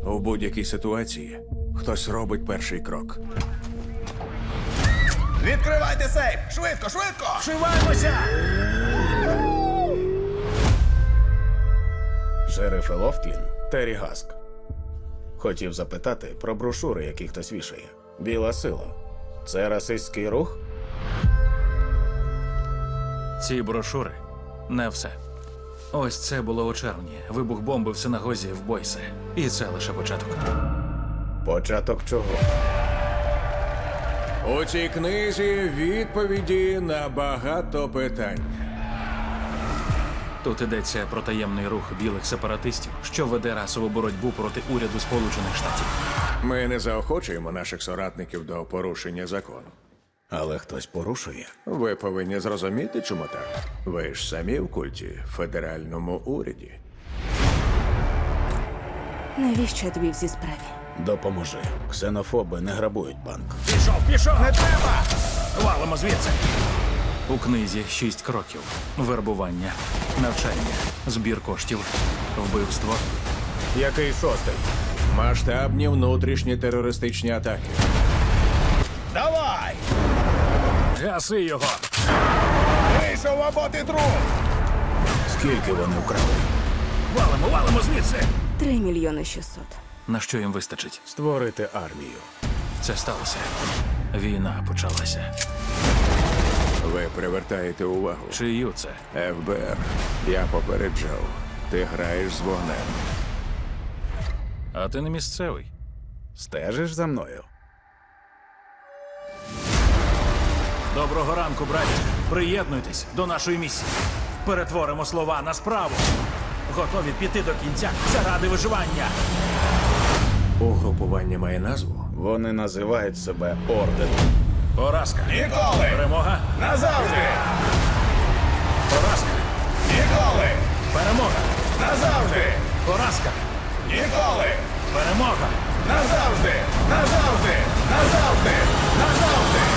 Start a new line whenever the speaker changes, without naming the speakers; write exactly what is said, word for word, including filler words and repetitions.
У будь-якій ситуації хтось робить перший крок.
Відкривайте сейф! Швидко, швидко!
Вшиваємося!
Шериф Лофтлін, Террі Гаск. Хотів запитати про брошури, які хтось вішає. Біла сила. Це расистський рух?
Ці брошури – не все. Ось це було у червні. Вибух бомби в синагозі в Бойсе. І це лише початок.
Початок чого?
У цій книзі відповіді на багато питань.
Тут йдеться про таємний рух білих сепаратистів, що веде расову боротьбу проти уряду Сполучених Штатів.
Ми не заохочуємо наших соратників до порушення закону.
Але хтось порушує.
Ви повинні зрозуміти, чому так. Ви ж самі в культі, федеральному уряді.
Навіщо я тобі в цій справі?
Допоможи. Ксенофоби не грабують банк.
Пішов, пішов! Не треба! Валимо звідси! У книзі шість кроків. Вербування, навчання, збір коштів, вбивство.
Який шостий?
Масштабні внутрішні терористичні атаки.
Давай!
Гаси його!
Вийшов або ти труп!
Скільки вони вкрали?
Валимо, валимо звідси!
Три мільйони шістсот.
На що їм вистачить?
Створити армію.
Це сталося. Війна почалася.
Ви привертаєте увагу.
Чию це?
Еф Бе Ер, я попереджав. Ти граєш з вогнем.
А ти не місцевий.
Стежиш за мною?
Доброго ранку, браті. Приєднуйтесь до нашої місії. Перетворимо слова на справу. Готові піти до кінця заради виживання.
Угрупування має назву?
Вони називають себе Орденом.
Поразка.
Ніколи!
Перемога.
Назавжди!
Поразка.
Ніколи!
Перемога.
Назавжди!
Поразка.
Ніколи!
Перемога.
Назавжди! Назавжди! Назавжди! Назавжди!